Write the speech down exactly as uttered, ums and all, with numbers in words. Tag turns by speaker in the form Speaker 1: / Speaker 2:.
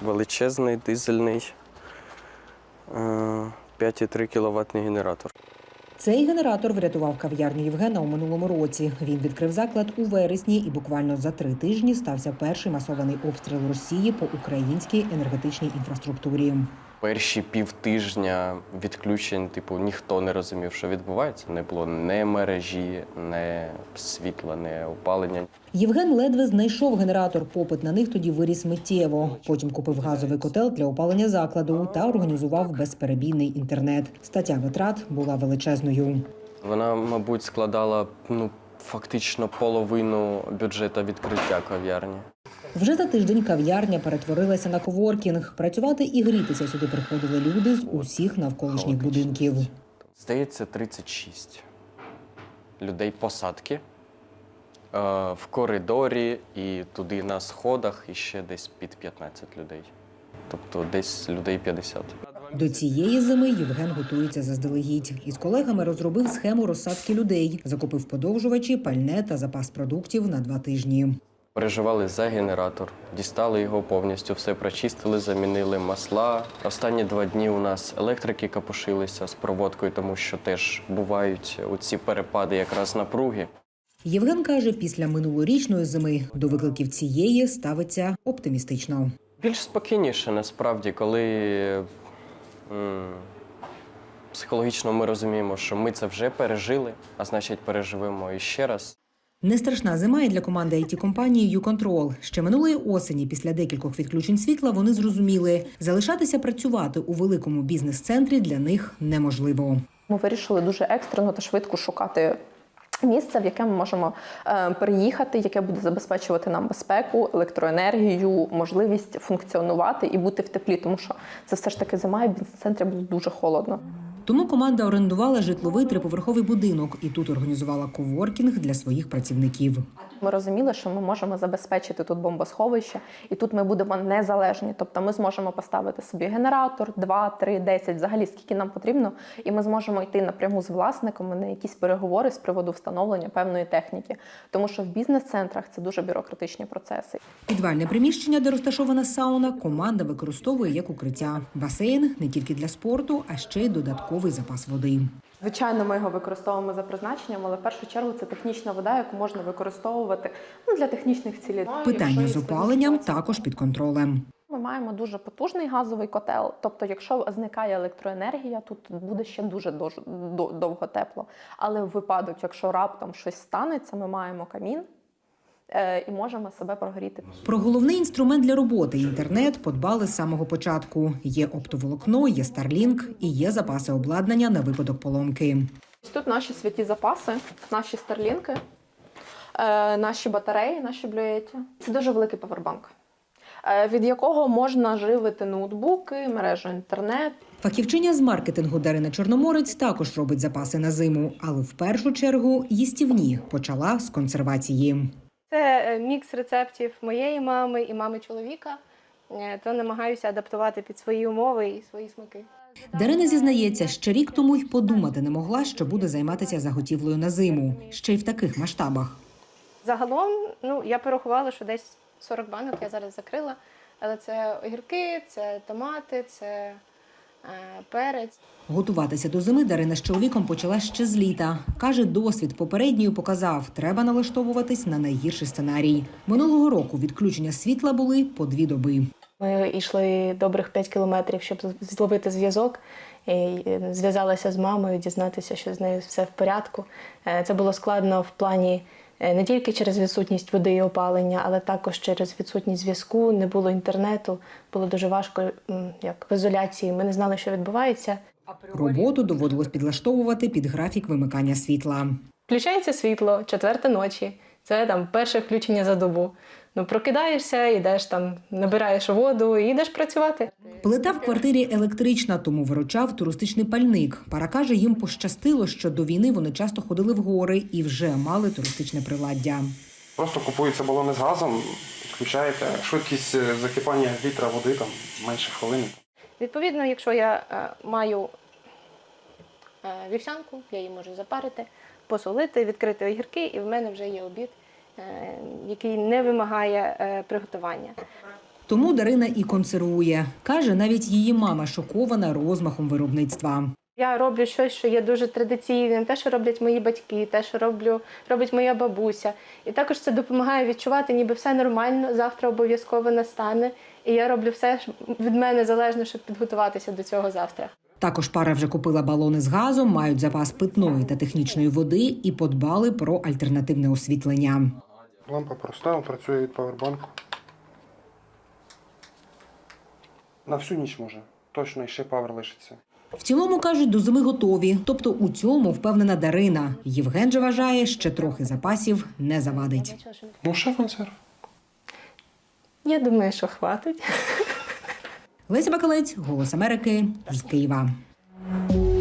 Speaker 1: величезний дизельний п'ять цілих три кіловатний генератор.
Speaker 2: Цей генератор врятував кав'ярню Євгена у минулому році. Він відкрив заклад у вересні і буквально за три тижні стався перший масований обстріл Росії по українській енергетичній інфраструктурі.
Speaker 1: Перші півтижня відключень, типу, ніхто не розумів, що відбувається. Не було ні мережі, ні світла, ні опалення.
Speaker 2: Євген ледве знайшов генератор. Попит на них тоді виріс миттєво. Потім купив газовий котел для опалення закладу та організував безперебійний інтернет. Стаття витрат була величезною.
Speaker 1: Вона, мабуть, складала ну, фактично половину бюджету відкриття кав'ярні.
Speaker 2: Вже за тиждень кав'ярня перетворилася на коворкінг. Працювати і грітися сюди приходили люди з усіх навколишніх будинків.
Speaker 1: Здається, тридцять шість людей посадки в коридорі і туди на сходах і ще десь під п'ятнадцять людей. Тобто десь людей п'ятдесят.
Speaker 2: До цієї зими Євген готується заздалегідь. Із колегами розробив схему розсадки людей, закупив подовжувачі, пальне та запас продуктів на два тижні.
Speaker 1: Переживали за генератор, дістали його повністю, все прочистили, замінили масла. Останні два дні у нас електрики капушилися з проводкою, тому що теж бувають оці перепади якраз напруги.
Speaker 2: Євген каже, після минулорічної зими до викликів цієї ставиться оптимістично.
Speaker 1: Більш спокійніше, насправді, коли м, психологічно ми розуміємо, що ми це вже пережили, а значить переживемо іще раз.
Speaker 2: Не страшна зима і для команди ай ті-компанії «Юконтрол». Ще минулої осені, після декількох відключень світла, вони зрозуміли – залишатися працювати у великому бізнес-центрі для них неможливо.
Speaker 3: Ми вирішили дуже екстрено та швидко шукати місце, в яке ми можемо е, переїхати, яке буде забезпечувати нам безпеку, електроенергію, можливість функціонувати і бути в теплі, тому що це все ж таки зима, і в бізнес-центрі було дуже холодно.
Speaker 2: Тому команда орендувала житловий триповерховий будинок і тут організувала коворкінг для своїх працівників.
Speaker 3: Ми розуміли, що ми можемо забезпечити тут бомбосховище, і тут ми будемо незалежні. Тобто ми зможемо поставити собі генератор, два, три, десять, взагалі скільки нам потрібно, і ми зможемо йти напряму з власниками на якісь переговори з приводу встановлення певної техніки. Тому що в бізнес-центрах це дуже бюрократичні процеси.
Speaker 2: Підвальне приміщення, де розташована сауна, команда використовує як укриття. Басейн не тільки для спорту, а ще й додатковий запас води.
Speaker 3: Звичайно, ми його використовуємо за призначенням, але в першу чергу це технічна вода, яку можна використовувати ну, для технічних цілей.
Speaker 2: Питання з опаленням також під контролем.
Speaker 3: Ми маємо дуже потужний газовий котел, тобто якщо зникає електроенергія, тут буде ще дуже довго тепло. Але в випадок, якщо раптом щось станеться, ми маємо камін і можемо себе прогріти.
Speaker 2: Про головний інструмент для роботи – інтернет – подбали з самого початку. Є оптоволокно, є Starlink і є запаси обладнання на випадок поломки.
Speaker 3: Тут наші святі запаси, наші старлінки, наші батареї, наші блюєті. Це дуже великий павербанк, від якого можна живити ноутбуки, мережу інтернет.
Speaker 2: Фахівчиня з маркетингу Дарина Чорноморець також робить запаси на зиму, але в першу чергу їстівні. Почала з консервації.
Speaker 4: Це мікс рецептів моєї мами і мами чоловіка, то намагаюся адаптувати під свої умови і свої смаки.
Speaker 2: Дарина зізнається, ще рік тому й подумати не могла, що буде займатися заготівлею на зиму, ще й в таких масштабах.
Speaker 4: Загалом, ну, я порахувала, що десь сорок банок я зараз закрила, але це огірки, це томати, це перець.
Speaker 2: Готуватися до зими Дарина з чоловіком почала ще з літа. Каже, досвід попередньої показав, треба налаштовуватись на найгірший сценарій. Минулого року відключення світла були по дві доби.
Speaker 4: Ми йшли добрих п'ять кілометрів, щоб зловити зв'язок. Зв'язалася з мамою, дізнатися, що з нею все в порядку. Це було складно в плані не тільки через відсутність води і опалення, але також через відсутність зв'язку, не було інтернету, було дуже важко, як в ізоляції, ми не знали, що відбувається.
Speaker 2: Роботу доводилось підлаштовувати під графік вимикання світла.
Speaker 4: Включається світло, четверта ночі, це там перше включення за добу. Ну, прокидаєшся, йдеш там, набираєш воду і йдеш працювати.
Speaker 2: Плита в квартирі електрична, тому виручав туристичний пальник. Пара каже, їм пощастило, що до війни вони часто ходили в гори і вже мали туристичне приладдя.
Speaker 5: Просто купуються балони з газом, підключаєте, швидкість закипання літра води там менше хвилини.
Speaker 4: Відповідно, якщо я е, маю е, вівсянку, я її можу запарити, посолити, відкрити огірки, і в мене вже є обід, е, який не вимагає е, приготування.
Speaker 2: Тому Дарина і консервує. Каже, навіть її мама шокована розмахом виробництва.
Speaker 4: Я роблю щось, що є дуже традиційним, те, що роблять мої батьки, те, що роблю, робить моя бабуся. І також це допомагає відчувати, ніби все нормально, завтра обов'язково настане. І я роблю все від мене залежно, щоб підготуватися до цього завтра.
Speaker 2: Також пара вже купила балони з газом, мають запас питної та технічної води і подбали про альтернативне освітлення.
Speaker 5: Лампа проста, працює від павербанку. На всю ніч може. Точно, і ще павер лишиться.
Speaker 2: В цілому, кажуть, до зими готові. Тобто у цьому впевнена Дарина. Євген же вважає, ще трохи запасів не завадить.
Speaker 5: Ну, ще консерв.
Speaker 4: Я думаю, що хватить.
Speaker 2: Леся Бакалець, «Голос Америки» з Києва.